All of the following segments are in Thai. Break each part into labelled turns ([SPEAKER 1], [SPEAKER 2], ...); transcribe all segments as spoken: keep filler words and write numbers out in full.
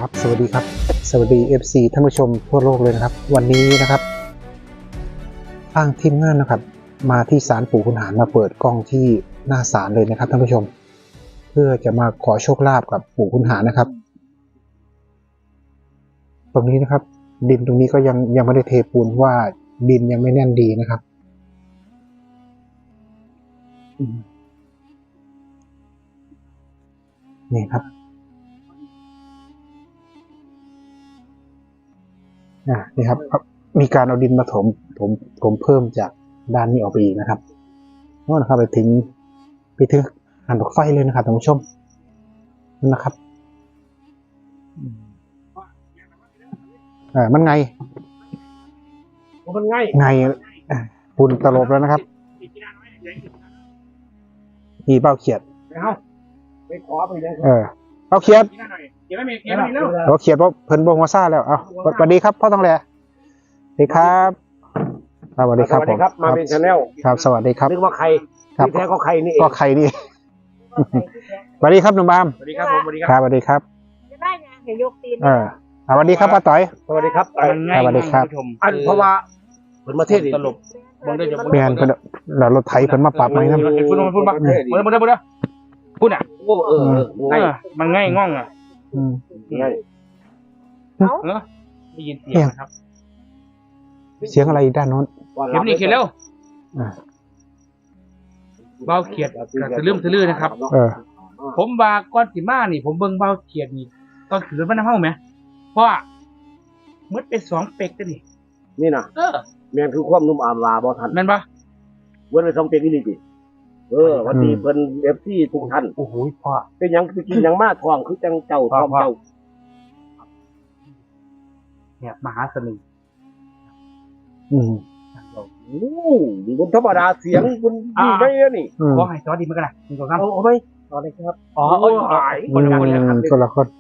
[SPEAKER 1] ครับสวัสดีครับสวัสดี เอฟ ซี ท่านผู้ชมทั่วโลกเลยนะครับวันนี้นะครับทางทีมงานนะครับมาที่ศาลปู่ขุนหารมาเปิดกล้องที่หน้าศาลเลยนะครับท่านผู้ชมเพื่อจะมาขอโชคลาภกับปู่ขุนหารนะครับตรงนี้นะครับดินตรงนี้ก็ยังยังไม่ได้เทปูนว่าดินยังไม่แน่นดีนะครับนี่ครับอ่านี่ครับมีการเอาดินมาถมถมถมเพิ่มจากด้านนี้ออกไปอีกนะครับนั่นนะครับไปถึงไปถึงหันดอกไฟเลยนะครับท่านผู้ชมนั่นนะครับอ่ามันไง
[SPEAKER 2] มันไง
[SPEAKER 1] ไงปุ่นตลบแล้วนะครับมีเป้าเขียด
[SPEAKER 2] เอาไปขอไปเลย
[SPEAKER 1] เออเป้าเขียด
[SPEAKER 2] เขียนไม่มีเขียนไม่มีแล้ว
[SPEAKER 1] เราเขียดว่าเพิ่นบงมาซ่าแล้วเอาสวัสดีครับพ่อต้องแลสวัสดีครับสวัสดีครับผม
[SPEAKER 2] มาเป็นชาแนล
[SPEAKER 1] ครับสวัสดีครับ
[SPEAKER 2] นึกว่าใครที่แท้ก็ใครนี่
[SPEAKER 1] ก็ใครนี่สวัสดีครับหนุ่มบาม
[SPEAKER 2] สวัสดีครับผมสวัสดี
[SPEAKER 1] ครับสวัสดีครับ
[SPEAKER 3] จะได้ไงเดี๋ยวยกตีน
[SPEAKER 1] เออสวัสดีครับป้าต่อย
[SPEAKER 2] สวัสดีครับ
[SPEAKER 1] สวัสดีครับ
[SPEAKER 2] อันเพราะว่าเพิ่นมาเทศตลบ
[SPEAKER 1] เปลี่ยนเพิ่นแล้วรถไถเพิ่นมาปรับไหมครับ
[SPEAKER 2] พูดมาพูดมาเมื่อเมื่อเมื่อพูดอ่ะโอ้เออมันง่ายง่องอ่ะง่าย
[SPEAKER 3] เอ้า
[SPEAKER 2] ได้ยินเสียงนะครับ
[SPEAKER 1] เสียงอะไรด้านโน้น
[SPEAKER 2] เขียนนี่เขียนเร็วเบาเขียดกับทะลึ่มทะลื่นนะครับ
[SPEAKER 1] เออ
[SPEAKER 2] ผมว่าก้อนสีมานี่ผมเบิ่งเบาเขียดนี่ตอนขืนมันน้ำเฮ้าไหมเพราะมืดไปสองเป็กกันนี่นี่นะเออแมนคือความนุ่มอามลาบอทันแมนปะมืดไปสองเป็กนี่ดิเออวันนี้เพิ่นเอฟซีทุกท่าน
[SPEAKER 1] โอ้โหพ่อ
[SPEAKER 2] เป็นยังคือกินยังมาทองคือจังเจ้าทองเจ้าเนี่ยมหาเสน่ห์
[SPEAKER 1] อืม
[SPEAKER 2] โอ้คุณธรรมดาเสียงคุณดีได้เนี่ยนี่ขอให้ซอสดีมั้ยกันนะคุณครับเอาไหมซอสเลยครับอ๋อโอ้ยคนละคนครับ
[SPEAKER 1] คนละคน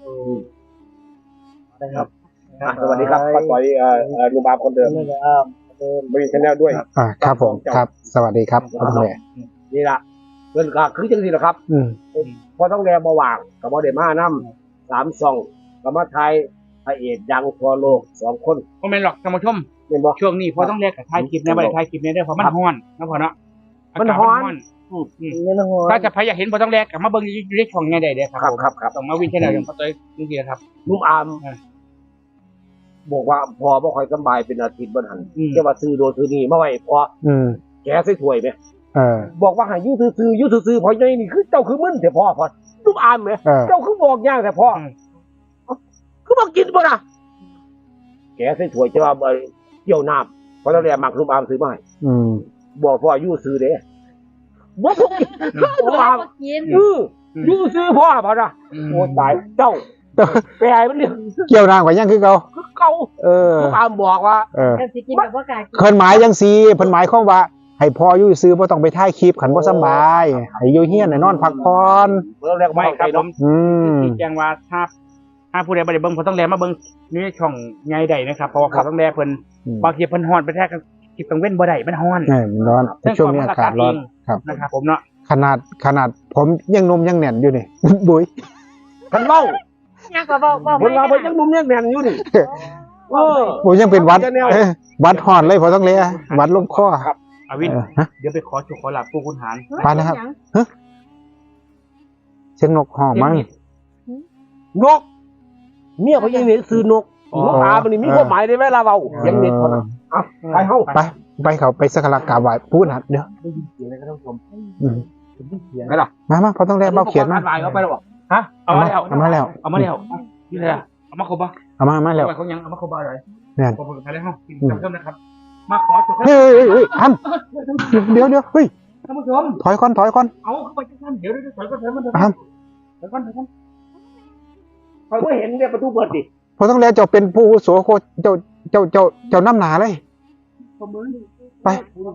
[SPEAKER 2] นะครับสวัสดีครับป้าต่อยเอ่อลุงบาคนเดิมบริษัทแนลด้วย
[SPEAKER 1] อ่าครับผมครับสวัสดีครับพ่อต้องแล
[SPEAKER 2] นี่ล่ะเงินก็คือจังซี่แหละครับ
[SPEAKER 1] อืม
[SPEAKER 2] พอต้องแลบ่ว่างก็บ่ได้มานำสามช่องก็มาถ่ายพระเอกดังทั่วโลกสองคนบ่แม่นหรอกท่านผู้ชมช่วงนี้พอต้องแลกกับถ่ายคลิปเนี่ยบ่ได้ถ่ายคลิปเนี่ยเด้อเพราะมันร้อนนะพ่อเนาะมันร้อนอืมถ้าจะใครอยากเห็นพอต้องแลกก็มาเบิ่งอยู่ในช่องใหญ่ได้เด้อครับครับครับต้องมาวิ่งแค่นั้นอย่างพ่อต้อยจริงๆครับลุงอามบอกว่าพอบ่ค่อยสบายเป็นอาทิตย์บ่ทันจะว่าซื้อโดนซื้อนี่มาไว้พอ
[SPEAKER 1] อืม
[SPEAKER 2] แกใส่ถ้วยมั้ย
[SPEAKER 1] เออ
[SPEAKER 2] บอกว่าให้อยู่ซื่อๆอยู่ซื่อๆพอใหญ่นี่คือเจ้าคือมึนแต่พ่อพอลุงอามมั้ยเจ้าคือบอกยากแต่พ่อคือบ่กินบ่ล่ะแกใส่ถ้วยจะว่าเกี่ยวน้ำเพราะตอนแรกมักลุงอามซื้อมาให้
[SPEAKER 1] อืม
[SPEAKER 2] บอกพ่ออยู่ซื่อเด้บ่ถูกลุงอาม
[SPEAKER 3] กิน
[SPEAKER 2] เอออยู่ซื่อพ่อพ่อน่ะโอ้ตายเจ้าไปให้มันเรื่อง
[SPEAKER 1] เกี่ยวน้ำกว่ายังคือเก่า
[SPEAKER 2] คือเก่า
[SPEAKER 1] เออ
[SPEAKER 2] ลุงอามบอกว่า
[SPEAKER 1] เออ
[SPEAKER 3] สิกินแบบบ่กล้ากิน
[SPEAKER 1] เพิ่นหมายจังซี่เพิ่นหมายความว่าให้พ่ออยู่ซื่อบ่ต้องไปถ่ายคลิปคันบ่สบายให้อยู่เฮียนให้นอนพักผ่อน
[SPEAKER 2] เพิ่นเรียกไม่ครับผม
[SPEAKER 1] อืม
[SPEAKER 2] ที่แจ้งว่าถ้าถ้าผู้ใดบ่ได้เบิ่งพอต้องแลมาเบิ่งนี่ช่องใหญ่ใดนะครับเพราะว่าพอต้องแลเพิ่นบางทีเพิ่นฮ้อนไปแท้กับคลิปกลางเว้นบ่ได้มันฮ้อน
[SPEAKER 1] เออมันร้อนช่วงนี้อากาศร้อนครับ
[SPEAKER 2] นะครับผมเนาะ
[SPEAKER 1] ขนาดขนาดผมยังนมยังแน่นอยู่นี่บุ้ย
[SPEAKER 2] เพิ่นเว้า
[SPEAKER 3] ยังก็บอกบอก
[SPEAKER 2] เพิ่นว่าเพิ่นยังนมยังแน่นอยู่นี่เออ
[SPEAKER 1] ผมยังเป็นวัดวัดฮ้อนเลยพอต้องแลวัดลมคอ
[SPEAKER 2] ครับอวินเดี๋ยวไปขอโชคขอลาภปู่ขุนหาร
[SPEAKER 1] ไปนะครับฮะเสียงนกฮ้องมั้ง
[SPEAKER 2] นกเมียเขายังเห็นซื้อนกนกอามันนี่มีความหมายได้ไหมล่ะเว้ายังเด็ดพอนะอ่ะไปเฮา
[SPEAKER 1] ไปไปเขาไปสักการะกราบไหว้ปู่ขุนหารเดี๋ยว
[SPEAKER 2] ได้ยินเสียงอะไรก็ต้องชม
[SPEAKER 1] อืม
[SPEAKER 2] ได้เสียงไหมล่ะ
[SPEAKER 1] มามาพอต้องแลเบาเขียนมา
[SPEAKER 2] เอาไปแล้วบ่ฮะเอามาแล้ว
[SPEAKER 1] เอามาแล้ว
[SPEAKER 2] เอามาแล้วนี่เลยเอามาครบป่ะ
[SPEAKER 1] เอามามาแล้ว
[SPEAKER 2] เขายังเอามาครบบ่อะไร
[SPEAKER 1] เนี่ย
[SPEAKER 2] ผมไปแล้วเฮากินเพิ่มนะครับมาขอโชค
[SPEAKER 1] เฮ้ยเฮ้ยทำเดี๋ยวเดี๋ยวเฮ้ย
[SPEAKER 2] ท่านผู้ชม
[SPEAKER 1] ถอยก่อนถอยก่อน
[SPEAKER 2] เอาเข้าไปจังซั่นเดี๋ยวเดี๋ยวถอยก่อนถอยก่อนถอยก่อนถอยก่อนถอยก่อนเขาบ่เห็นเนี่ยประตูเปิดดิ
[SPEAKER 1] พอต้องแลเจ้าเป็นผู้โสโคเจ้าเจ้าเจ้าเจ้าน้ำหนาเลยไป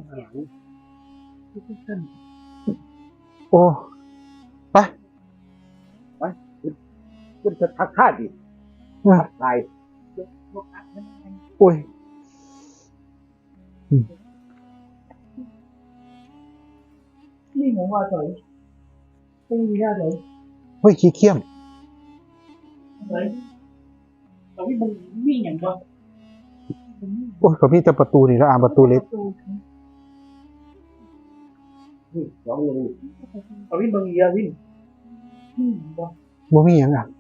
[SPEAKER 1] โอ้ไป
[SPEAKER 2] ไปคุณจะทักท่าดิตาย
[SPEAKER 1] โอ้ย
[SPEAKER 2] นี่หนูว่าสวยไม่มีหน้าเลย
[SPEAKER 1] เฮ้ยขี้เขี้ยม
[SPEAKER 2] แต่ว่ามึงมีอย่างก็
[SPEAKER 1] โอ้ยก็มีแต่ประตูนี่แล้วอ่านประตูเล็ก
[SPEAKER 2] สองเลยเอาวิ่งมึงเยอะวิ่ง
[SPEAKER 1] บ่มีหยังอ่ะ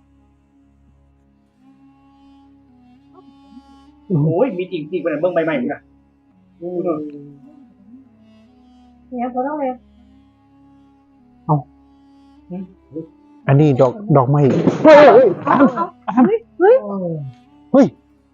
[SPEAKER 2] โอ้ยมีจริงจริงเป็นเมืองใหม่ๆมึงนะ
[SPEAKER 3] เนี่ยก็ต้องเลย
[SPEAKER 1] อันนี้ดอกดอกไม้เฮ้ยเฮ้ยอ่าน
[SPEAKER 3] เฮ้ยเฮ้ย
[SPEAKER 1] เฮ้ย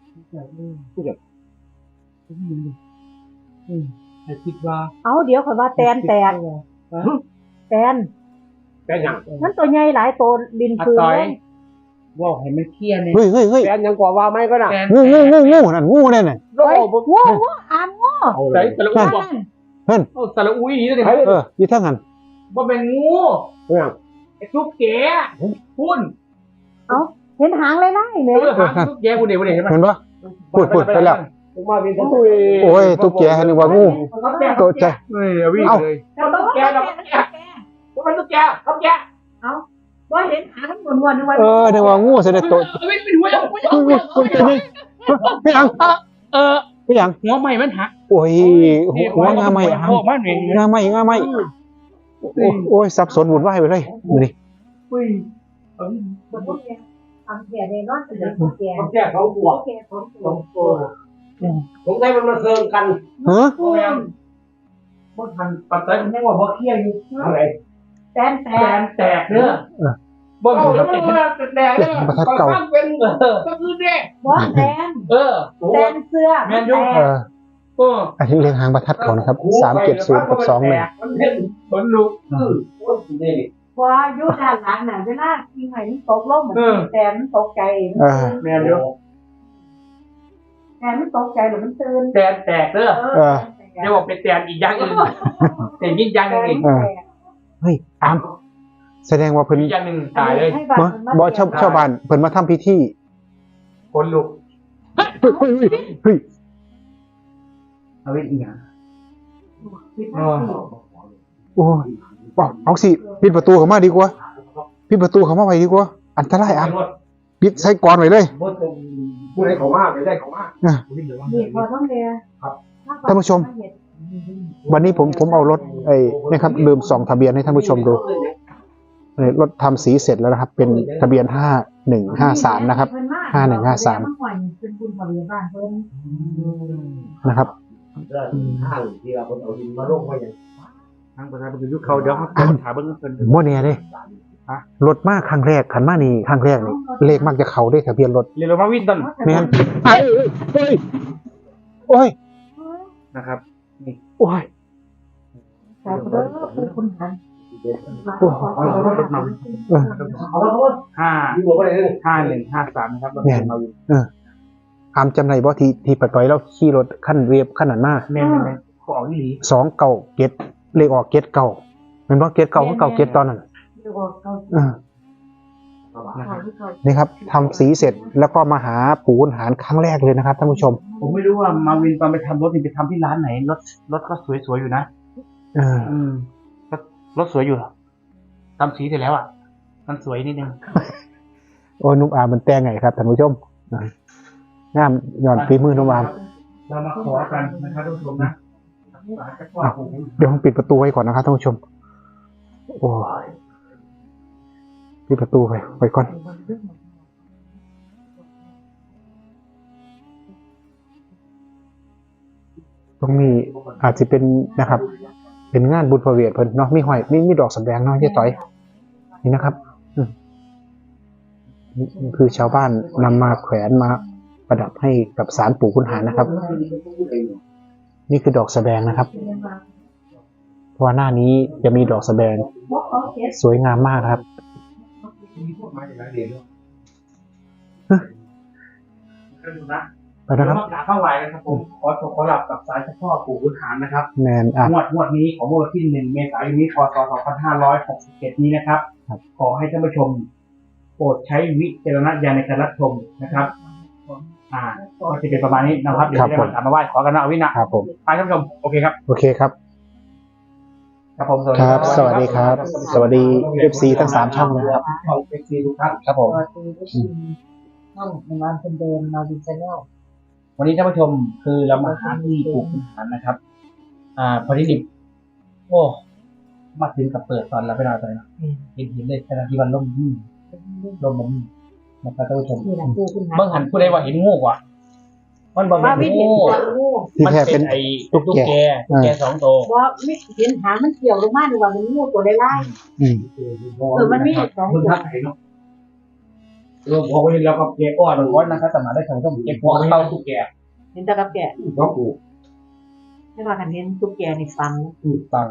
[SPEAKER 2] แต่คิดว่า
[SPEAKER 3] เอาเดี๋ยวข่อยว่าแตนแตกแตน
[SPEAKER 2] แค่ยัง
[SPEAKER 3] มันตัวใหญ่หลายตัวดินปืนเลย
[SPEAKER 2] ว่าให้มันเคลียร์เนี่ย
[SPEAKER 1] เฮ้ยเฮ้ยเฮ้ย
[SPEAKER 4] แฟนยังกว่าว่าไม่ก็น่ะ
[SPEAKER 1] งูงูงูงูนั่นงูนั่นน่ะ
[SPEAKER 4] โอ้โห
[SPEAKER 3] โว้โว้อามโว้
[SPEAKER 2] ใส่สระอุ้ยบอก
[SPEAKER 1] เพิ่น
[SPEAKER 2] โอ้สระอุ้ยนี่เลย
[SPEAKER 1] เอออยู่ทางนั้น
[SPEAKER 2] ว่าเป็นงู
[SPEAKER 4] เนี่ย
[SPEAKER 2] ไอ้ทุกแกพุ่น
[SPEAKER 3] เห็นหางเลยนะเนี่
[SPEAKER 2] เอย อหางทุกแกพุ่นเดี๋ยวพุ่นเดี๋ยวเห็นไหม
[SPEAKER 1] เห็นปะพูดพูดไปแล้ว
[SPEAKER 4] ผมมาเป็นตุ้ย
[SPEAKER 1] โอ้ยตุ๊กแกนึกว่างูตกใจ
[SPEAKER 2] เฮ้ยเอาวิ่งเลย
[SPEAKER 3] เราต้องแกเราต้องแก
[SPEAKER 2] ว่ามันทุกแกทุกแก
[SPEAKER 3] เอาว่าเห็นหางมันวนๆนึกว่า
[SPEAKER 1] เออนึกว่างูเสด็จโต
[SPEAKER 2] เอาวิ่งเป็นหัวยังหัวยัง
[SPEAKER 1] อุ้ยอุ้ยอุ้ยไม่ยัง
[SPEAKER 2] เออ
[SPEAKER 1] ไม่ยัง
[SPEAKER 2] หัวใหม่มันหัก
[SPEAKER 1] โอ้ยหัวงาไม่
[SPEAKER 2] โอ้มันเอง
[SPEAKER 1] งาไม่งาไม่โอ้ยสับสนวุ่นวายไปเลยดูดิ
[SPEAKER 2] อุ้ย
[SPEAKER 3] มันต้องแกทำแกในนอนเป็นแก
[SPEAKER 4] ผมแก้เขาบวก
[SPEAKER 3] แกของ
[SPEAKER 4] สองตัวผมได้มันมาเซิงกัน
[SPEAKER 1] ฮะ
[SPEAKER 2] โอ้ยมันทันปัจจัยมันยังว่าบ่เคลียร์อยู่
[SPEAKER 4] อะไร
[SPEAKER 3] แตนแต
[SPEAKER 2] แต
[SPEAKER 3] น
[SPEAKER 2] นแตกเด้อบ่มีแตกแตกเด้อ
[SPEAKER 1] ประทัดเก่า
[SPEAKER 2] เป็นเออก็คือเด้
[SPEAKER 3] ว่าแตน
[SPEAKER 2] เออ
[SPEAKER 3] แตนเสื้อ
[SPEAKER 1] เออ
[SPEAKER 2] โอ้
[SPEAKER 1] อันนี้เรียงหางประทัดเขานะครับสามเจ็ดศูนย์กับสองหนึ่ง
[SPEAKER 2] มันเป็นผลลุก
[SPEAKER 3] ว่าอยู่ด้านหลังน่ะเวลาที่ไหนมันตกลงเหมือนแตนมันตกใจ
[SPEAKER 1] เออ
[SPEAKER 2] แม่นอยู่
[SPEAKER 3] แตนมันตกใจหรือมันตื่น
[SPEAKER 2] แตนแตกเด้อ
[SPEAKER 3] เออ
[SPEAKER 2] เดี๋ยวบอกเป็นแตนอีกอย่างอื่นแต่ยิ่งอย่างหนึงอีก
[SPEAKER 1] เฮ้ยอามแสดงว่าเพิ่น
[SPEAKER 2] อีกอย่างหนึงตายเลย
[SPEAKER 1] เนาะบ่ชาวชาวบ้านเพิ่นมาทำพิธี
[SPEAKER 2] ผลลุก
[SPEAKER 1] เฮ้ยเฮ้ยเฮ้ยเฮ้ย
[SPEAKER 2] เอาไว้อีกอย่าง
[SPEAKER 1] โอ้ยเอาเอาสิปิดประตูเข้ามาดีกว่าปิดประตูเข้ามาไว้ดีกว่าอันตรายอ่ะปิดใส่กรอนไว้เลย
[SPEAKER 4] ผู้ใดเขามากไม่ได้เขามาก
[SPEAKER 3] นี่พอต้องเรีย
[SPEAKER 1] ท่านผู้ชม วันนี้ผมผมเอารถไอ้นะครับลืมส่องทะเบียนให้ท่านผู้ชมดูรถทำสีเสร็จแล้วนะครับ เป็นทะเบียนห้าหนึ่งห้าสามนะครับห้าหนึ่งห้าสาม
[SPEAKER 3] เป็นบุญบริวารเพิ่น
[SPEAKER 1] นะครับ
[SPEAKER 4] ห้างที่เราคนเอาดินมาลงไว้อย่าง
[SPEAKER 2] ทางประธานเป็นยุคเขาเดี๋ยวเขาถามเบิ่งเพิ่น
[SPEAKER 1] โมเนี่ยเด้รถมาครั้งแรกขันมานี่ครั้งแรกนี่เลขมักจะเข้าได้ทะเบียนรถ
[SPEAKER 2] เรียนรู้มาวินต้น
[SPEAKER 1] แม่นเอ้ยเอ้ยโอ้ย
[SPEAKER 2] นะครับ
[SPEAKER 1] โอ้ย
[SPEAKER 3] แต่เด้อคือคุณหัน
[SPEAKER 1] โอ้ยเออ
[SPEAKER 4] เอาแล้วเขา
[SPEAKER 2] ห้า
[SPEAKER 4] อยู่หัวอะไรเลย
[SPEAKER 2] ห้าหนึ่งห้าสามนะครับเรา
[SPEAKER 1] แม่น
[SPEAKER 2] มาวิน
[SPEAKER 1] อามจำได้บ่ที่ที่ปะต้อยแล้วขี่รถขั้นเรียบขั้นนั้นมา
[SPEAKER 2] แม่นแม่นเขาออกนี่หลี
[SPEAKER 1] สองเก่าเก็ดเลขออกเก็ดเก่าแมันบ่เก็ดเก่าก็เก่าเก็ดตอนนั้น
[SPEAKER 3] ดูว่าเขา
[SPEAKER 1] เออ
[SPEAKER 2] นะครับ
[SPEAKER 1] นี่ครับทำสีเสร็จแล้วก็มาหาปู่ขุนหารครั้งแรกเลยนะครับท่านผู้ชม
[SPEAKER 2] ผมไม่รู้ว่ามาวินตอนไปทำรถนี่ไปทำที่ร้านไหนรถรถก็สวยๆอยู่นะ
[SPEAKER 1] เออ
[SPEAKER 2] อืมรถรถสวยอยู่ทำสีเสร็จแล้วอ่ะ มันสวยนิดนึง
[SPEAKER 1] โอ้ยนุ่มอามมันแต่งไงครับท่านผู้ชมอ่ะงามย้อนฝีมือนุ่มอาม
[SPEAKER 2] เรามาขอกันนะครับทุกผู้ชมนะ
[SPEAKER 1] เดี๋ยวผมปิดประตูไว้ก่อนนะครับท่านผู้ชม โอ้ยปิดประตูไว้ไว้ก่อนตรงนี้อาจจะเป็นนะครับ เป็นงานบุญพระเวทเพิ่นเนาะมีหอยมีมีดอกสำแดงเนาะเจ๊ต่อยนี่นะครับอืมนี่นี่คือชาวบ้านนำมาแขวนมาประดับให้กับศาลปู่ขุนหารนะครับ นี่คือดอกสะแบงนะครับเพราะว่าหน้านี้จะมีดอกสะแบงสวยงามมากครับไปนะครับ
[SPEAKER 2] กราบเข้าไหวนะครับผมขอขอหลับกับสายเฉพาะปู่ขุนหารนะครับ
[SPEAKER 1] แมนอ่ะ
[SPEAKER 2] งวดงวดนี้ของวันที่หนึ่งเมษายนนี้พศสองพันห้าร้อยหกสิบเจ็ดนี้นะครับ
[SPEAKER 1] ครับ
[SPEAKER 2] ขอให้ท่านผู้ชม โปรดใช้วิจารณญาณในการรับชมนะครับ อ่าก็จะเป็นประมาณนี้นะครับเดี๋ยวจะได้มากราบมาไหว้ขอกันนะเอาวินะครับ
[SPEAKER 1] ผม
[SPEAKER 2] ไปท่านผู้ชมโอเคครับ
[SPEAKER 1] โอเคครับ
[SPEAKER 2] ครับผม
[SPEAKER 1] ครับ สวัสดีครับ สวัสดี เอฟ ซี ทั้งสามช่องเลยครับ
[SPEAKER 2] ช่องเอฟซีทุกท่านครับผม
[SPEAKER 3] ตัวช่องในวันเป็นเดิมมาวินชาแนล
[SPEAKER 2] วันนี้ท่านผู้ชมคือเรามาหาที่ปลูกขุนหารนะครับ อ่าพอดีดิบโอ้มาถึงกับเปิดตอนแล้วไปนอนตอนนี้เห็นเห็นเลยขณะที่วันล่มยิ่งลมมันนะครับท่านผู้ชม
[SPEAKER 3] นี่แหละคือคุณหา
[SPEAKER 2] เมื่อหันผู้ใดว่าเห็นงูกว่ะมันบอก
[SPEAKER 3] ว่า
[SPEAKER 2] เป็
[SPEAKER 3] วิ
[SPEAKER 2] น
[SPEAKER 3] นเห็น
[SPEAKER 2] งู
[SPEAKER 3] ตัวงู
[SPEAKER 1] ที่
[SPEAKER 2] มัน
[SPEAKER 1] แท้
[SPEAKER 2] เป็
[SPEAKER 1] เป็น น
[SPEAKER 2] ไอ้
[SPEAKER 1] ตุ๊ก
[SPEAKER 2] ตุ๊ก
[SPEAKER 1] แก
[SPEAKER 2] แกตุ๊กแกสองตัว
[SPEAKER 3] ว่าไม่เห็นหางมันเกี่ยวลงมาหรือว่ามันงูตัวไล่
[SPEAKER 1] อืม
[SPEAKER 3] ๆเออมันมีสอง
[SPEAKER 2] คุณ
[SPEAKER 3] ตัว
[SPEAKER 2] ทักไหนเนาะรวมหัวไว้แล้วก็แกอ้อนมันก้อนนะครับแต่มาได้ทางช่องแกหัวเต้าตุ๊กแก
[SPEAKER 3] เห็นแตะกับแกะ
[SPEAKER 2] ก็ปลูก
[SPEAKER 3] ไม่ว่ากันเห็นตุ๊กแกในฟัง
[SPEAKER 2] ปลูกตัง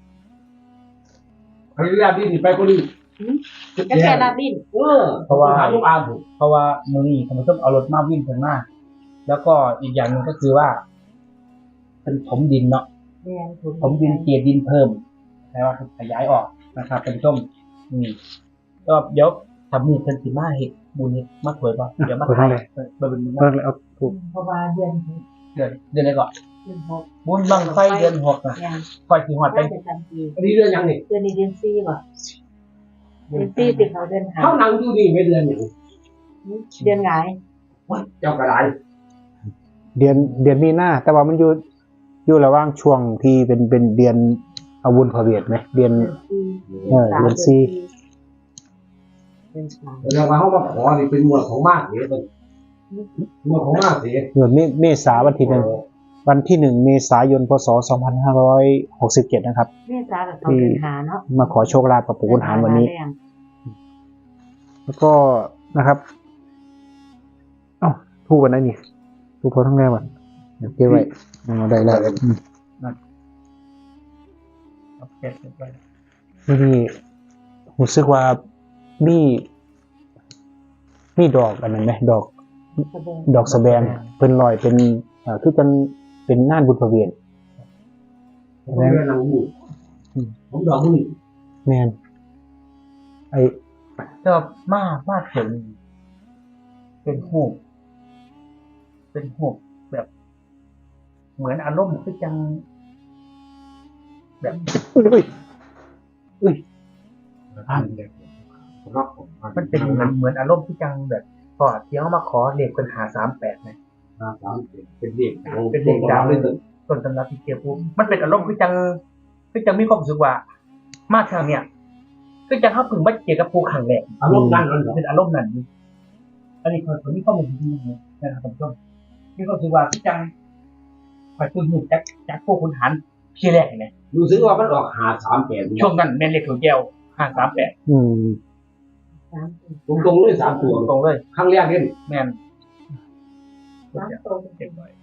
[SPEAKER 4] พยายามที่ไปคนอื่น
[SPEAKER 3] ก็แกลาบิน
[SPEAKER 4] เออ
[SPEAKER 2] เพราะว่า
[SPEAKER 4] หาลูกอาบุ
[SPEAKER 2] เพราะว่ามือนี้ผมต้องเอารถมาวิ่งถึงหน้าแล้วก็อีกอย่างหนึ่งก็คือว่า เป็นถมดินเนาะ
[SPEAKER 3] แม่ถูก
[SPEAKER 2] ถมดินเกลียดินเพิ่มแปลว่าขยายออกนะครับ เป็นต้มนี่ก็เดี๋ยวทำมือเป็นสีมาเห็ดบุญเห็ดมาถวยป่ะเดี๋ยวมาถ่ายมาเป็นบุญ
[SPEAKER 1] เพิ่งเอาถูก
[SPEAKER 3] เพราะว่าเดือน
[SPEAKER 2] เดือนเดือนอะไรก่อน
[SPEAKER 3] เดือนหก
[SPEAKER 2] บุญบังไฟเดือนหกนะ
[SPEAKER 3] เนี่ย
[SPEAKER 2] ไฟสีหอดไป
[SPEAKER 3] น่าจะจำปี
[SPEAKER 4] อันนี้เรื่องยังนี่
[SPEAKER 3] เดือนนี้เดือนสี่ป่ะเดือนสี่ติดเขาเดือนหา
[SPEAKER 4] เขานั่งอยู่นี่ไม่เดือนหนึ่ง
[SPEAKER 3] เดือนไง
[SPEAKER 4] เจ้ากระไร
[SPEAKER 1] เดือนเดือนมีหน้า แต่ว่ามันอยู่อยู่ระหว่างช่วงที่เป็นเป็นเดือนอาวุธพระเวทไหมเดือน เออเดือนสี่
[SPEAKER 3] เดือนสาม
[SPEAKER 4] เรื่องมาเขามาขอนี่เป็นหมวดของมากเสียเป็นหมวดของมากเสีย
[SPEAKER 1] เดือนเมเมษาวันที่หนึ่งวันที่หนึ่งเมษายนพศสองพันห้าร้อยหกสิบเจ็ดนะครับ
[SPEAKER 3] เมษากับเขาเดือนหาเนาะ
[SPEAKER 1] มาขอโชคลาภกับปู่ขุนหารวันนี้ แล้วก็นะครับเอ้าทูบวันไหนนี่ทูบพอทั้งแรกวันเดี๋ยวเก็บไว้เอาได้แล้วอืม
[SPEAKER 2] เก็บไว้
[SPEAKER 1] วันนี้รู้สึกว่ามีมีดอกอันนั้นไหมดอก ดอกสะแบงเพิ่นลอยเป็นเอ่อคือกันเป็นน่านบุญพระเวียน
[SPEAKER 4] ผมเรียนหนังบูผมดอกนี่
[SPEAKER 1] แมนไอ
[SPEAKER 2] ก็มามาถึงเป็นหูปเป็นหูปแบบ เหมือนอารมณ์คือจัง แบบ
[SPEAKER 1] อุ้ยอุ้ย
[SPEAKER 2] มันเป็นเหมือนเหมือนอารมณ์ที่จังแบบพอเที่ยวมาขอเลขเป็นหาสามแปดไหม
[SPEAKER 4] เป็นเด็ก
[SPEAKER 2] เป็นเลขดาวเลยต้นตำรับที่เกียร์ปุ๊บมันเป็นอารมณ์คือจังคือจังมีความรู้สึกว่า มาทางเนี่ยคือจังเขาพึงมาเจอกับภูขังแหลก
[SPEAKER 4] อารมณ์นั่นนั่น
[SPEAKER 2] เป็นอารมณ์นั้นอันนี้คนคนนี้ข้อมูลที่นี่นะครับท่านผู้ชมมีความรู้สึกว่าคือจังคอยตื่นหูจากจากพวกคุณหันที่แรกเห็นไหม
[SPEAKER 4] รู้สึกว่ามันออกหาสามแปด
[SPEAKER 2] ช่วงนั้นแม่นเลขถั่วแก้วห้าสามแปด
[SPEAKER 1] อืม
[SPEAKER 3] สาม
[SPEAKER 4] ตรงตรงเลยสามตัว
[SPEAKER 2] ตรงเลย
[SPEAKER 4] ครั้งแรกนี่
[SPEAKER 2] แม่น
[SPEAKER 3] สามตัว
[SPEAKER 2] เก็บไว้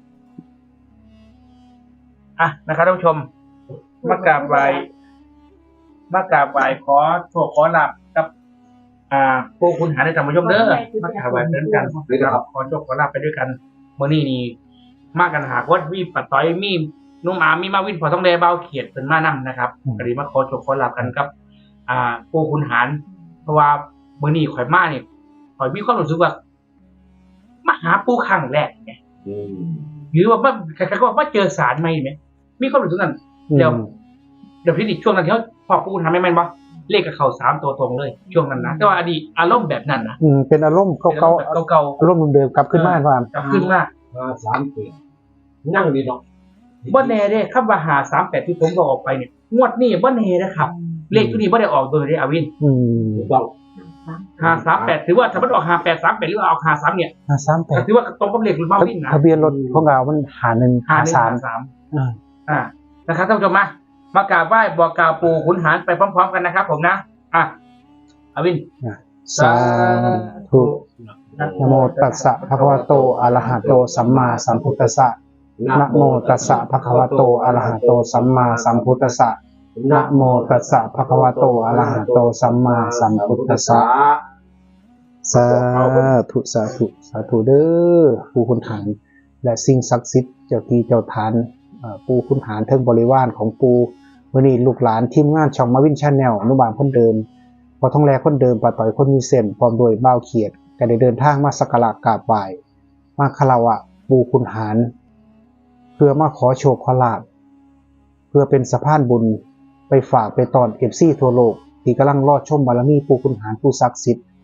[SPEAKER 2] อ่ะนะครับท่านผู้ชม มากราบไหว้มากราบไหว้ขอโชคขอลาบกับ อ่าพวกคุณหาในธรรมยมเด้อมากราบไหว้เดินกันนะครับขอโชคขอลาบไปด้วยกันเมื่อนี้นี่มากกันหากว่ามีปัดต้อยมีนุ่มอามีมาวินพอต้องแดเบาเขียดเป็นมานํนะครับก็ดีมาขอโชคขอลาบกันกับ อ่าพวกคุณหารเพราะว่าเมื่อนี้ข่อยมาเนี่ยข่อยมีความรู้สึกว่ามาหาปูครั้งแรกไงหรือว่าว่าใครๆก็บอกว่าเจอสารไหมไหมมีความรู้สึกนั้น เดี๋ยวเดี๋ยวพี่ดิช่วงนั้นที่เขาพอปูทำไม่แม่นบ่เลขกับเขาสามตัวตรงเลย ช่วงนั้นนะแต่ว่าอดีตอารมณ์แบบนั้นนะ
[SPEAKER 1] อืมเป็นอารมณ์
[SPEAKER 2] เป็น
[SPEAKER 1] เก่า
[SPEAKER 2] อารมณ์แบบเก่า
[SPEAKER 1] ๆอารมณ์เดิมๆกลับขึ้นมาความ
[SPEAKER 2] ๆกลับขึ้นมา
[SPEAKER 4] หาสามแปดนั่งดีเนาะ
[SPEAKER 2] บ่แน่เด้คำว่าหาสามแปดที่ผมบอกออกไปเนี่ยงวดนี้บ่แน่นะครับ เลขตัวนี้บ่ได้ออกโดยได้อาวิน
[SPEAKER 1] อืม
[SPEAKER 4] ถูกต้อง
[SPEAKER 2] หาสามแปดถือว่าถ้ามันออกหาแปดสามแปดหรือว่าออกหาสามเนี่ย
[SPEAKER 1] ห้าสามแป
[SPEAKER 2] ก็
[SPEAKER 1] ด
[SPEAKER 2] ถือว่าตรงกับเลขหรือมาวินนะ
[SPEAKER 1] ทะเบียนรถของเรามันหาหนึ่ง
[SPEAKER 2] หา
[SPEAKER 1] หา
[SPEAKER 2] หนึ่ง
[SPEAKER 1] สาม
[SPEAKER 2] หาสาม
[SPEAKER 1] อ่า
[SPEAKER 2] อ่านะครับท่านผู้ชมมามากราบไหว้บอกกล่าวปู่ขุนหารไปพร้อมๆกันนะครับ ผมนะอ่ะอาวิน
[SPEAKER 1] สาธุนะโมตัสสะภะคะวะโตอะระหะโตสัมมาสัมพุทธัสสะนะโมตัสสะภะคะวะโตอะระหะโตสัมมาสัมพุทธัสสะนะโมตัสสะภะคะวะโตอะระหะโตสัมมาสัมพุทธัสสะสาธุสาธุสาธุเด้อปู่ขุนหารและสิ่งศักดิ์สิทธิ์เจ้าที่เจ้าทานเอ่อปู่ขุนหารเทิงบริวารของปู่มื้อนี้ลูกหลานทีมงานช่องมาวินชาแนลอนุบาลคนเดิมพอท้องแลคนเดิมปาต่อยคนมีเส้นพร้อมโดวยบ่าวเขียดก็ได้เดินทางมาสักการะกราบไหว้มาคารวะปู่ขุนหารเพื่อมาขอโชคขอลาภเพื่อเป็นสะพานบุญไปฝากไปตอน เอฟ ซี ทั่วโลกที่กำลังรอชมบารมีปู่ขุนหารผู้ศักดิ์สิทธิ์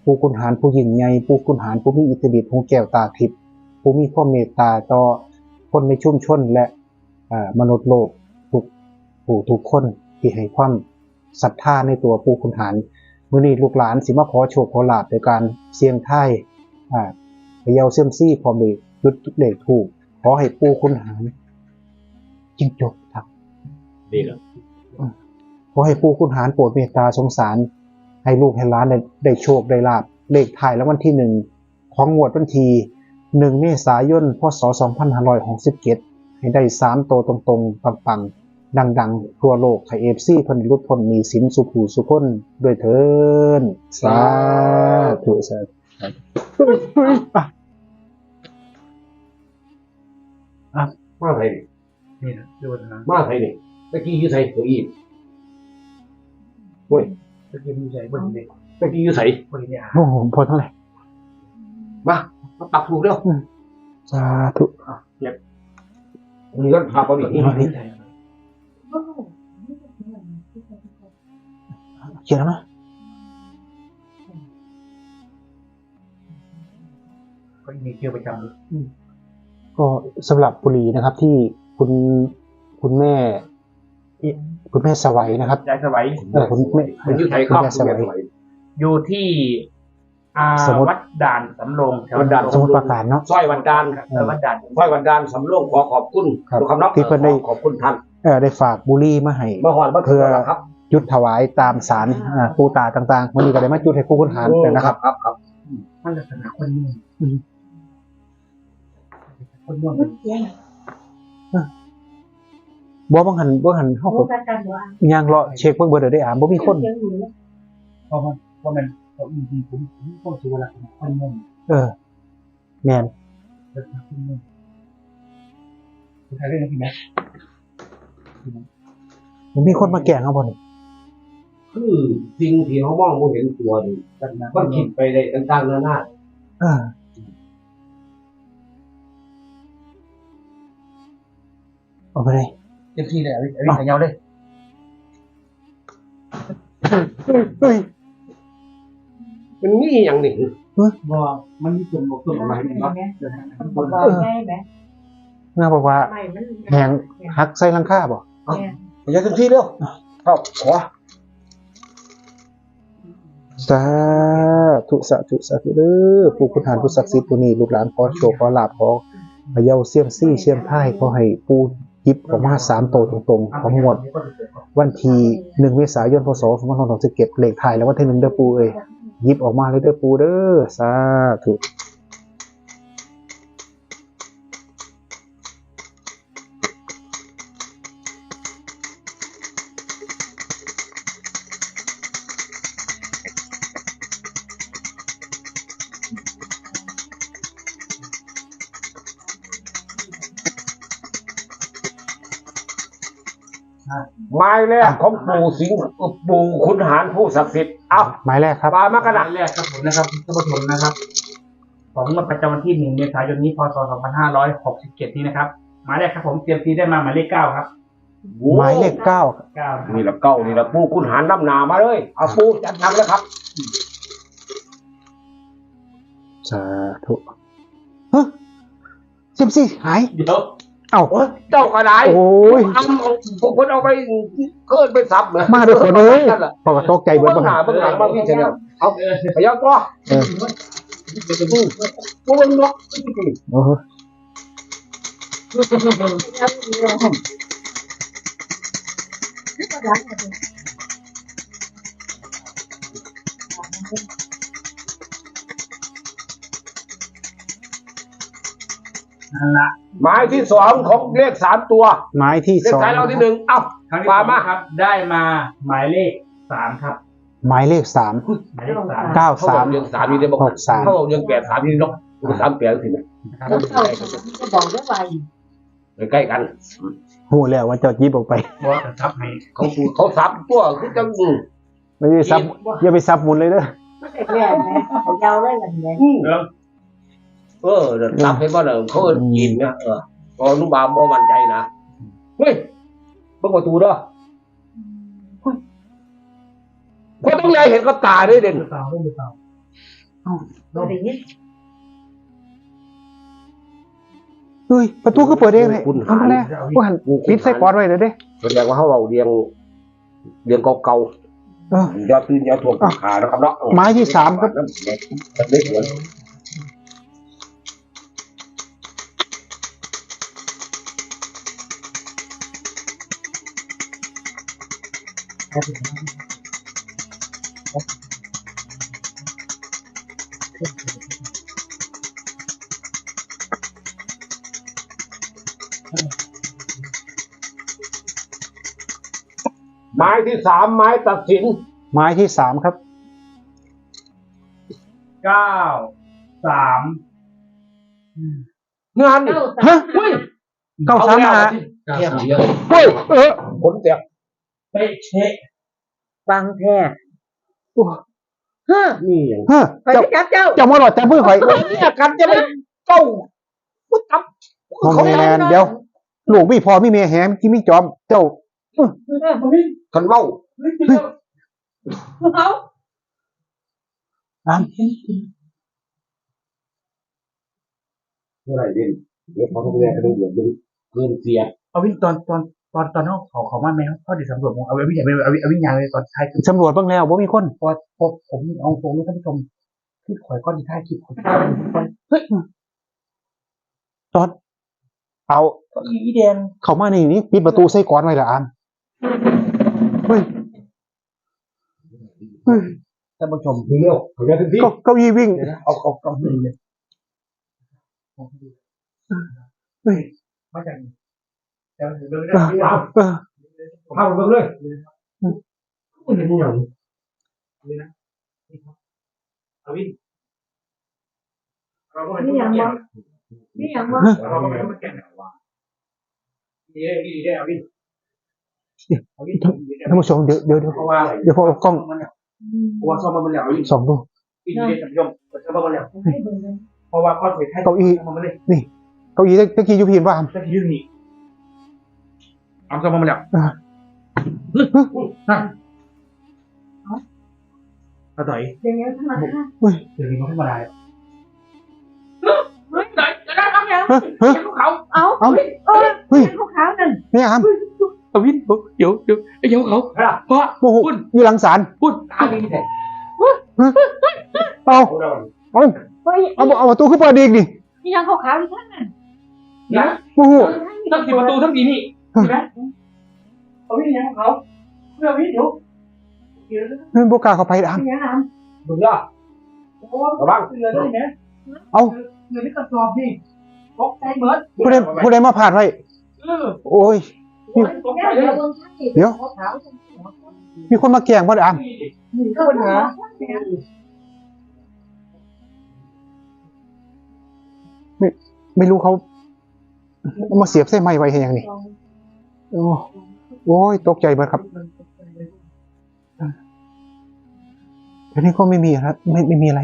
[SPEAKER 1] ผู้คุณหารผู้ยิ่งใหญ่ผู้คุณหารผู้มีอิทธิฤทธิ์หูแก้วตาทิพย์ผู้มีความเมตตาต่อคนในชุมชนและอ่ามนุษย์โลกทุกผู้ทุกคนที่ให้ความศรัทธาในตัวผู้คุณหารมื้อนี้ลูกหลานสิมาขอโชคขอลาภโดยการเสี่ยงทายอ่าเขย่าเซียมซี่พร้อมด้วยจุดเลขถูกขอให้ผู้คุณหารจิ้งจกครับ
[SPEAKER 4] ดีแล้ว
[SPEAKER 1] ขอให้ผู้คุณหารโปรดเมตตาสงสารให้ลูกให้หลานได้ได้โชคได้ลาภเลขท้ายแล้ววันที่หนึ่งของงวดวันที่หนึ่งเมษายนพศสองพันห้าร้อยหกสิบเจ็ดให้ได้สามโตวตรงๆปังๆดังๆทั่วโลกให้เอฟซีเพิ่นหลุดพ้นหนี้สินสุขหูสุขคนด้วยเถิดสาธุสาธุอ่ะอ่ะ
[SPEAKER 4] มาไทย
[SPEAKER 2] นี่นะดูนะ
[SPEAKER 4] มาไทยนี่ตะกี้อยู่ไทยตัวอีเว้ย
[SPEAKER 2] จะกินใจบนเด็ก
[SPEAKER 4] ตะกี้อยู่ไทย
[SPEAKER 2] บนเนี่ย
[SPEAKER 1] โอ้โหพอเท่าไหร่
[SPEAKER 4] มามาปักถูกแล้ว
[SPEAKER 1] สาธุ
[SPEAKER 4] มีก็พาไปอีก
[SPEAKER 1] เอาดิเขียนแล้วนะ
[SPEAKER 2] ก็มีเกี่ยวประจำเลย
[SPEAKER 1] ก็สำหรับบุรีนะครับที่คุณคุณแม่คุณแม่สวัยนะครับ
[SPEAKER 2] ยายสวัย
[SPEAKER 1] เออคุณแม่
[SPEAKER 4] มันอยู่ไทย
[SPEAKER 1] คุณ
[SPEAKER 4] ครับ
[SPEAKER 1] แม่สวัย
[SPEAKER 2] อยู่ที่อ่า
[SPEAKER 1] สมุทร
[SPEAKER 2] วัดด่านสำโรงแถว
[SPEAKER 4] วัดด่าน
[SPEAKER 1] สมุทรปราการเนาะ
[SPEAKER 4] ซอยวันดาน
[SPEAKER 2] เออวัดด่าน
[SPEAKER 4] ซอยวันดานสำโรงขอขอบคุณ
[SPEAKER 1] ครับ
[SPEAKER 4] ทุกคำนับ
[SPEAKER 1] ที่เพิ่นได้
[SPEAKER 4] ขอบคุณท่าน
[SPEAKER 1] เออได้ฝากบุรีมาให้
[SPEAKER 4] เมื่อวานเมื่อคืนแล้วครับ
[SPEAKER 1] จุดถวายตามสารอ่าปูตาต่างๆวันนี้ก็ได้มาจุดให้ผู้คุณหารเลยนะครับ
[SPEAKER 4] ครับครับ
[SPEAKER 2] ท่านลักษณะคนนุ่มคนนุ่ม
[SPEAKER 1] บ่บังหันบ่หันเฮา
[SPEAKER 3] รู้
[SPEAKER 1] ก็
[SPEAKER 3] กันว่า
[SPEAKER 1] ย่างเลาะเช็คเบิ่งเบิดได้อ่านบ่มีคน
[SPEAKER 2] เพราะมันเพราะมันเขาจริงๆผมผมต้องถือว่าลักษณะคนนุ่ม
[SPEAKER 1] เออแม่น
[SPEAKER 2] ลักษณะคนนุ่มคุณใครเรื่องนี้ไหม
[SPEAKER 1] บ่มีคนมาแกล้งเฮาบ่นี่
[SPEAKER 4] คือสิ่งที่เขามองไม่เห็นตัวนี่
[SPEAKER 2] ลักษณะค
[SPEAKER 4] มัน
[SPEAKER 2] น
[SPEAKER 4] คิ
[SPEAKER 2] นุ่
[SPEAKER 4] ด
[SPEAKER 2] ม
[SPEAKER 4] ไปได้ต่างๆนานา
[SPEAKER 1] เออเอาไปเลย
[SPEAKER 2] เต็มที่เลยเอาเอาขยาวเลย
[SPEAKER 1] เฮ้ย
[SPEAKER 4] มันมีอย่างหนึ่ง
[SPEAKER 2] ว่ามันมีส่วนบวกส่วนลบอะไรเนาะ
[SPEAKER 3] บอกว่าง่ายไหม
[SPEAKER 1] น่าบอกว่า
[SPEAKER 3] ไม่มัน
[SPEAKER 1] แหงหักใส่หลังคาบ่
[SPEAKER 4] อย่าเต็มที่เร็วเข้าขอ
[SPEAKER 1] สาธุสาธุสาธุเด้อผู้คุณหารผู้ศักดิ์สิทธิ์ผู้นี้ลูกหลานขอโชคขอลาภขอพะเยาเสี่ยมซี่เสี่ยมท้ายขอให้ปู่หยิบออกมาสามโตวตรงๆของงวดวันที่หนึ่งเมษายนพศสองพันห้าร้อยหกสิบเจ็ดเลขท้ายแล้ววันที่หนึ่งเด้อปู่เอ้ยหยิบออกมาเลยเด้อปู่เด้อสาธุ
[SPEAKER 4] ไม้แรกของปู่สิงห์ปู่ขุนหารผู้ศักดิ์สิทธิ์เอา
[SPEAKER 1] หมายแรกครับ
[SPEAKER 4] ปลามากระ
[SPEAKER 2] ข
[SPEAKER 4] ดา
[SPEAKER 2] นา
[SPEAKER 4] ษ
[SPEAKER 2] ดแรกครับผมนะครับท่านผู้ชมนะครับ ของงวดประจำวันที่หนึ่งเมษายนนี้พศสองพันห้าร้อยหกสิบเจ็ดนี้นะครับหมายแรกครับผมเตรียมทีได้มาหมายเลขเก้าครับ
[SPEAKER 1] หมายเลขเก้า
[SPEAKER 2] เก้า
[SPEAKER 4] นี่แหละเก้านี่แหละปู่ขุนหารน้ำหนามาเลยเอาปู่จัดทำแล้วครับ
[SPEAKER 1] สาธุฮะเสี่ยมซี่หาย
[SPEAKER 2] เดี๋ยว
[SPEAKER 1] เอ้า
[SPEAKER 4] เจ้ากระได
[SPEAKER 1] โอ้ย
[SPEAKER 4] เอาพวกคนเอาไปเกินไปซับเลย
[SPEAKER 1] มาด้วยคนเอ้ย
[SPEAKER 4] นั่นแหละ
[SPEAKER 1] พอก็ตกใจเบิด
[SPEAKER 4] เบื้
[SPEAKER 1] บ่
[SPEAKER 4] องห
[SPEAKER 1] หั
[SPEAKER 4] น้าน เบื้องหลังมาพี่เฉลียวเอา
[SPEAKER 2] เออ
[SPEAKER 4] พยักตัว
[SPEAKER 1] เออ
[SPEAKER 4] พวกมึงเนาะ
[SPEAKER 1] โอ้โห
[SPEAKER 2] นั่นละ
[SPEAKER 4] หมายที่สองของเลขสามตัว
[SPEAKER 1] หมายที่
[SPEAKER 4] เลข
[SPEAKER 1] สอง
[SPEAKER 4] ท้ายเราที่หนึ่งเอ้า
[SPEAKER 2] ครั้งที่
[SPEAKER 4] ป
[SPEAKER 2] ส
[SPEAKER 4] ลา
[SPEAKER 2] อง
[SPEAKER 4] มา
[SPEAKER 2] ครับ ได้มาหมายเลขสามครับ
[SPEAKER 1] หมายเลขสาม
[SPEAKER 2] หมายเลขสาม
[SPEAKER 1] เก้า
[SPEAKER 4] เขาบ
[SPEAKER 1] สา
[SPEAKER 4] อ
[SPEAKER 1] ม
[SPEAKER 4] กเรื่องสามนี่ได้บอก
[SPEAKER 1] หกสาม
[SPEAKER 4] เขาบอกเรื่องแปดสามนี่เนาะสามแปดสิเนี่ย
[SPEAKER 2] นะครับ
[SPEAKER 3] แล้วเขาจะบอกได้ว่า
[SPEAKER 4] ใกล้กัน
[SPEAKER 1] หูแล้วว่าเจะยิบออกไป
[SPEAKER 2] เพราะว่าจะทับให้
[SPEAKER 4] เขาเขาซับตัวคือจังอืม
[SPEAKER 1] ไม่ได้ซับอย่าไปซับหมุนเลยเด้อ
[SPEAKER 3] แรกไหมเขายาวได้แบบไหน
[SPEAKER 2] แล้ว
[SPEAKER 4] เออเดี๋ยวซับให้บ้านเออเขาเอิ้นกินนะเออพออนุบาลบ่มั่นใจนะเฮ้ยเปิดประตูเด้อเขาต้องไงเห็นกับตาด้วยเด่น
[SPEAKER 2] เปล่าไม่เปล่า
[SPEAKER 3] บ่ได้ยิน
[SPEAKER 1] เฮ้ยประตูก็เปิดเองเลยทำไมล่ะว่าหันปิดใส่กอดไว้เลยเด้
[SPEAKER 4] แสดงว่าเขาเอาเรียงเรียงเก่า
[SPEAKER 1] เออ
[SPEAKER 4] ๆยอดตื่นยอดทวงขานะครับเนาะ
[SPEAKER 1] ไม้ที่สามครับ
[SPEAKER 4] ได้สวน ไม้ที่สามไม้ตัดสิน
[SPEAKER 1] ไม้ที่สามครับ
[SPEAKER 2] เก้าสาม
[SPEAKER 4] งานนี่
[SPEAKER 3] เก้า
[SPEAKER 1] ฮะ
[SPEAKER 3] สามห้า
[SPEAKER 1] เก้าสามหา
[SPEAKER 4] เทียบเยอะ
[SPEAKER 1] เฮ้ยเออ
[SPEAKER 4] ผลแตก
[SPEAKER 2] เป๊ะเช็ค
[SPEAKER 3] ฟังแท้
[SPEAKER 1] โอ้
[SPEAKER 3] ฮะ
[SPEAKER 4] นี่อย่าง
[SPEAKER 1] เฮ้ย
[SPEAKER 3] ไป
[SPEAKER 1] เจ้า
[SPEAKER 3] จับเจ้า
[SPEAKER 1] เจ้ามาหลอดแต่มือข่อย
[SPEAKER 4] เนี่ยกันจะไม่เก้าพุทธับ
[SPEAKER 1] โมแมนเดี๋ยวลูกมีพอมีเมียแหมที่มีจอมเจ้า
[SPEAKER 4] คันเว้า
[SPEAKER 3] เอา
[SPEAKER 1] อ้าม
[SPEAKER 4] เมื่อไหร่เด่นเดี๋ยวเขาต้องเรียนกันเดี๋ยวเกินเสีย
[SPEAKER 2] เอาวินตอนตอนตอนตอนนั้นเขาเขามาไหมเขาเดี๋ยวสำรวจผมเอาวิญญาณเอาวิเอาวิญญาณเลยตอนท้ายคือ
[SPEAKER 1] สำรวจบ้างแล้วว่ามีคน
[SPEAKER 2] พอพอผมเอาตรงนี้ท่านผู้ชมที่ข่อยก้อนที่ท้ายคลิปข่อย
[SPEAKER 1] เฮ้ยจอดเอา
[SPEAKER 2] อีแดง
[SPEAKER 1] เข้ามานี่นี่ปิดประตูใส่กอดไว้ละอามเฮ้ยเฮ้ย
[SPEAKER 2] ท่านผู้ชม
[SPEAKER 4] เร็วเขาจะถึงที่
[SPEAKER 1] เก้าเก้าอี้วิ่ง
[SPEAKER 2] เอาเอาเอาหนึ่งเลย
[SPEAKER 1] เฮ้ย
[SPEAKER 2] มาจากเดี๋ยวเดี๋ยว
[SPEAKER 1] เออ
[SPEAKER 2] เดี๋ยว
[SPEAKER 1] เออ
[SPEAKER 4] เข้าไปเลยมันเป็นอย่าง
[SPEAKER 2] เอาวินเราก็ไม่
[SPEAKER 3] นี่
[SPEAKER 2] ต้อง
[SPEAKER 3] ยัง
[SPEAKER 2] มาแก่
[SPEAKER 3] บ่นี่ยังบ่
[SPEAKER 2] เราก็ไม่ต้องมาแก่ว่าดีได้ดีได้เอาวินเอาวิน
[SPEAKER 1] ท่านผู้ชมเดี๋ยวเดี๋ยวเดี๋ยว
[SPEAKER 2] เพราะว่า
[SPEAKER 1] เดี๋ยวพอเอากล้อง
[SPEAKER 2] เพราะว่าซ่อมมันแล้วเอาวิน
[SPEAKER 1] ส่องดู
[SPEAKER 2] ดีได้ท่านผู้ชมซ่อมมันแล้ว
[SPEAKER 3] ให้เบิ่งกัน
[SPEAKER 2] เพราะว่าข้อสุดท้ายมันเลย
[SPEAKER 1] เก้าอี้ตะกี้อยู่พีนว่าอาม
[SPEAKER 2] สักทีนี่เอาซ่อมมันแล้ว
[SPEAKER 1] อ่า
[SPEAKER 2] นั่นเอาต่อย
[SPEAKER 3] เดี๋ยวนี้ธรรมดา
[SPEAKER 1] เฮ้ย
[SPEAKER 2] เดี๋ยวนี้มันธรรมดาเฮ้ยไหนจะได้ทำยัง
[SPEAKER 1] เฮ้ยเฮ้ย
[SPEAKER 2] เขา
[SPEAKER 3] เอา
[SPEAKER 1] เอา
[SPEAKER 3] เออ
[SPEAKER 1] เฮ้ย
[SPEAKER 3] พวกเขานั่น
[SPEAKER 1] นี่อาม
[SPEAKER 2] เอาวินเดี๋ยวเดี๋ยวเดี๋ยวเขาเพราะ
[SPEAKER 1] โอ้โห
[SPEAKER 2] พูด
[SPEAKER 1] อยู่หลังศาล
[SPEAKER 2] พูดตาดีแท้
[SPEAKER 1] เอา
[SPEAKER 4] เขาได้
[SPEAKER 1] เอา
[SPEAKER 3] เฮ้ย
[SPEAKER 1] เอาเอาประตูขึ้นเปิดอีกดิ
[SPEAKER 3] นี่ยังขาวๆอยู่ท่านนั่น
[SPEAKER 2] นะ
[SPEAKER 1] โอ้โห
[SPEAKER 2] ทั้งสี่ประตูทั้งสี่นี่ใช่ไหมเอาวินยังเขาเพื่อวินเดี๋ยวเดี๋ยว
[SPEAKER 1] เฮ้ยโบกล้าเข้าไปอาม
[SPEAKER 3] นี่ยังอ่ะ
[SPEAKER 4] มึงย่า
[SPEAKER 2] โอ้ระวังเงินนี่นะ
[SPEAKER 1] เอา
[SPEAKER 2] เงินนี่กระสอบนี่ตกใจเหมือน
[SPEAKER 1] ผู้ใดผู้ใดมาผ่านไว้
[SPEAKER 2] เออ
[SPEAKER 1] โอ้ย
[SPEAKER 2] ตกใจ
[SPEAKER 3] เดี๋
[SPEAKER 2] เลย
[SPEAKER 3] วย เบิ่งท่านสิ
[SPEAKER 1] เดี๋ยว
[SPEAKER 3] ขาว
[SPEAKER 1] มีคนมาแกล้งบ่ได้อาม
[SPEAKER 3] ๆนี่ก็ปัญหา
[SPEAKER 1] ไม่รู้เขาเอามาเสียบใส่ไม้ไว้ให้ยังนี่โอ้โอ้ยตกใจเบิดครับทีนี้ก็ไม่มีครับไม่ไม่มีอะไร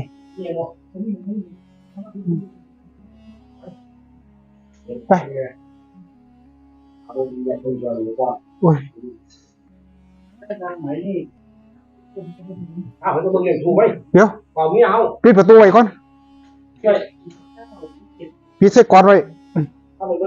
[SPEAKER 1] ไป
[SPEAKER 4] เอาเรียนคนเดียวหรือว่า
[SPEAKER 1] โอ้ย
[SPEAKER 2] ทางไหนนี่
[SPEAKER 4] อ้าวเขาต้องเรียนถูกไหม
[SPEAKER 1] เดี๋ยว
[SPEAKER 4] เปล่ามีเอา
[SPEAKER 1] ปิดประตูไว้ก่อน
[SPEAKER 4] ใช่
[SPEAKER 1] ปิดใส่กอดไว้
[SPEAKER 4] เข้าไปเลย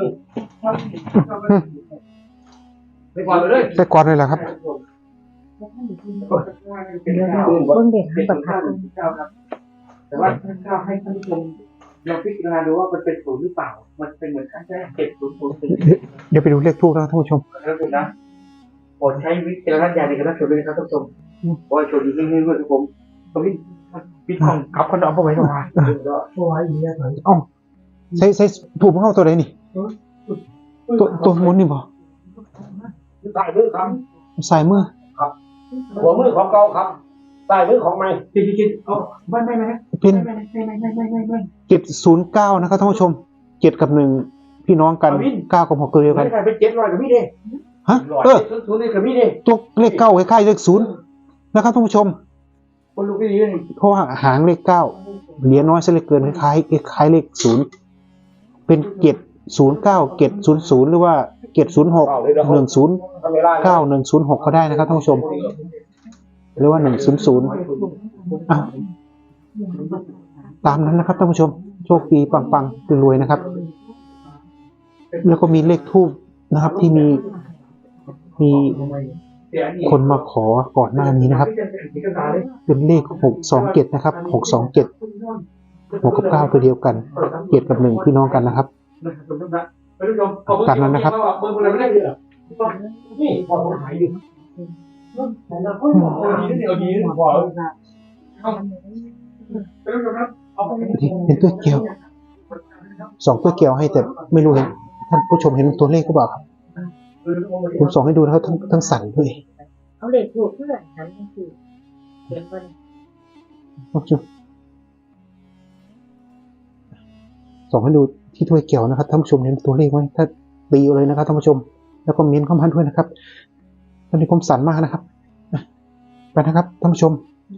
[SPEAKER 2] ไปก่อนเลย
[SPEAKER 1] ใส่กอดไว้แหละครับ
[SPEAKER 3] เดี๋ยวๆเบิ่งเด็กทางประทัด
[SPEAKER 2] แต่ว่าถ้าให้ท่านผู้ชมลองพิจารณาดูว่ามันเป็นศูนย์หรือเปล่า มันเป็นเหมือนขั้นแรกเจ็ดศูนย์ศูนย์สี่
[SPEAKER 1] เดี๋ยวไปดูเลขทูบนะท่านผู้ชม
[SPEAKER 2] แล้วคุณนะโปรดใช้วิจารณญาณในการรับชมด้วยนะครับท่านผู้ชมโอ้ยชมดีๆด้วยครับผมตรงนี้ปิดของขับคนเอาเข้าไว้ตรงนี้เอาไว้อย่างนี้เลย
[SPEAKER 1] เอ้าใส่ใส่ถูกของเขาตัวไหนนี่ ตัวตัวหมุนนี่บ่
[SPEAKER 4] ใต้มือครับ
[SPEAKER 1] ใส่มือ
[SPEAKER 4] หัวมือของเก่าครับใต้มือของใหม่
[SPEAKER 2] กินกินเอาไม่ไม่ไม่
[SPEAKER 1] เป็น
[SPEAKER 2] ไม่ไม่ไม่ไม่ไม่ไม่ไม่
[SPEAKER 1] เจ็ดศูนย์เก้านะครับท่านผู้ชมเจ็ดกับหนึ่งพี่น้องกันเก้ากับหกตัวเดียว
[SPEAKER 2] ไม่
[SPEAKER 1] กัน
[SPEAKER 2] ได้เป็นเจ็ดร้อยกับพี่เด้
[SPEAKER 1] ฮะ
[SPEAKER 2] ร้อย
[SPEAKER 1] เออ
[SPEAKER 2] ศูนย์ศูนย์นี่กับพี่เด้
[SPEAKER 1] ตัวเลขเก้าคล้ายๆเลขศูนย์นะครับท่านผู้ชม
[SPEAKER 2] คนลูกพี่ดีเลย
[SPEAKER 1] เพราะว่าหางเลขเก้าเหรียญน้อยซะเหลือเกินคล้ายๆคล้ายๆเลขศูนย์เป็นเจ็ดศูนย์เก้าเจ็ดศูนย์ศูนย์หรือว่าเจ็ดศูนย์หกหนึ่งศูนย์
[SPEAKER 4] ทำเวลา
[SPEAKER 1] เก้าหนึ่งศูนย์หกก็ได้นะครับท่านผู้ชม หรือว่าหนึ่งศูนย์ศูนย์อ่ะตามนั้นนะครับท่านผู้ชมโชคดีปังๆรวยๆนะครับ แล้วก็มีเลขทูบนะครับ ที่มีมีคนมาขอก่อนหน้านี้นะครับ เป็นเลขหกสองเจ็ดนะครับหกสองเจ็ดหกกับเก้าตัวเดียวกันเจ็ดกับหนึ่งพี่น้องกันนะครับตามนั้นนะครับ
[SPEAKER 2] นี่พอหายอยู่เราพูดหมอดีนี่เอาดีนี่พอเอาไปดูครับเอาไป
[SPEAKER 1] เป็นตัวเกี่ยวสองตัวเกี่ยวให้แต่ไม่รู้เห็นท่านผู้ชมเห็นตัวเลขก็บอกครับผมส่องให้ดูนะครับทั้งทั้งสั่นด้วย
[SPEAKER 3] เอาเด็กถูกเพื่อนนั้นคือเขียนมัน
[SPEAKER 1] ท่านผู้ชมส่องให้ดูที่ถ้วยเกี่ยวนะครับท่านผู้ชมเห็นตัวเลขไหมถ้าตีเอาเลยนะครับท่านผู้ชมแล้วก็เม้นเข้ามาด้วยนะครับตอนนี้ผมสั่นมากนะครับไปนะครับท่านผู้ชม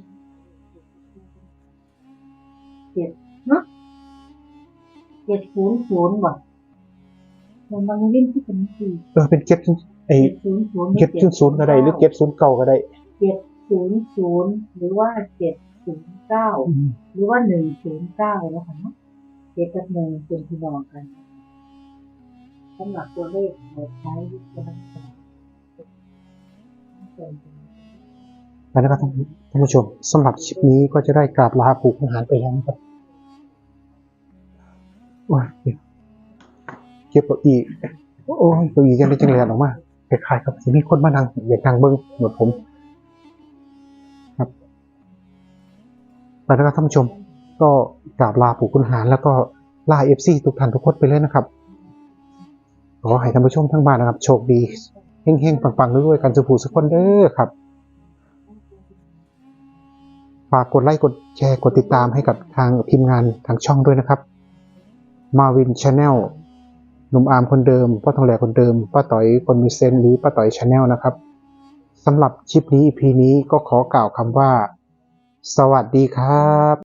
[SPEAKER 3] เจ็ดศูนย์ศูนย์ว่ะมันบางเล่นที่เป็นสี่
[SPEAKER 1] เออเป็นเก็บไอ้
[SPEAKER 3] เจ็ดศูนย์ศูนย์
[SPEAKER 1] เก็บศูนย์ศูนย์ก็ได้หรือเก็บศูนย์เก่าก็ได้
[SPEAKER 3] เจ็ดศูนย์ศูนย์หรือว่าเจ็ดศูนย์เก้าหรือว่าหนึ่งศูนย์เก้าแล้วค่ะเนาะเจ็ดกับหนึ่งเป็นพี่น้องกันสำหรับตัวเลขเราใช้วิจารณญาณ
[SPEAKER 1] ไปนะครับท่านผู้ชมสำหรับคลิปนี้ก็จะได้กราบลาปู่ขุนหารไปแล้วนะครับโอ้ยเก็บเก้าอี้โอ้ยเก้าอี้ยังได้จังเลยออกมาคล้ายๆกับที่มีคนมานั่งอยากนั่งเบิ้งเหมือนผมครับไปนะครับท่านผู้ชมก็กราบลาปู่ขุนหารแล้วก็ลาเอฟซีทุกท่านทุกคนไปเลยนะครับขอให้ท่านผู้ชมทั้งบ้านนะครับโชคดีเฮงๆปังๆด้วยๆกันสุขสุขคนเด้อครับฝากกดไลค์กดแชร์กดติดตามให้กับทางทีมงานทางช่องด้วยนะครับมาวินชาแนลหนุ่มอาร์มคนเดิมป้าทองแหลคนเดิมป้าต่อยคนมีเซนหรือป้าต่อยชาแนลนะครับสำหรับคลิปนี้ อี พี นี้ก็ขอกล่าวคำว่าสวัสดีครับ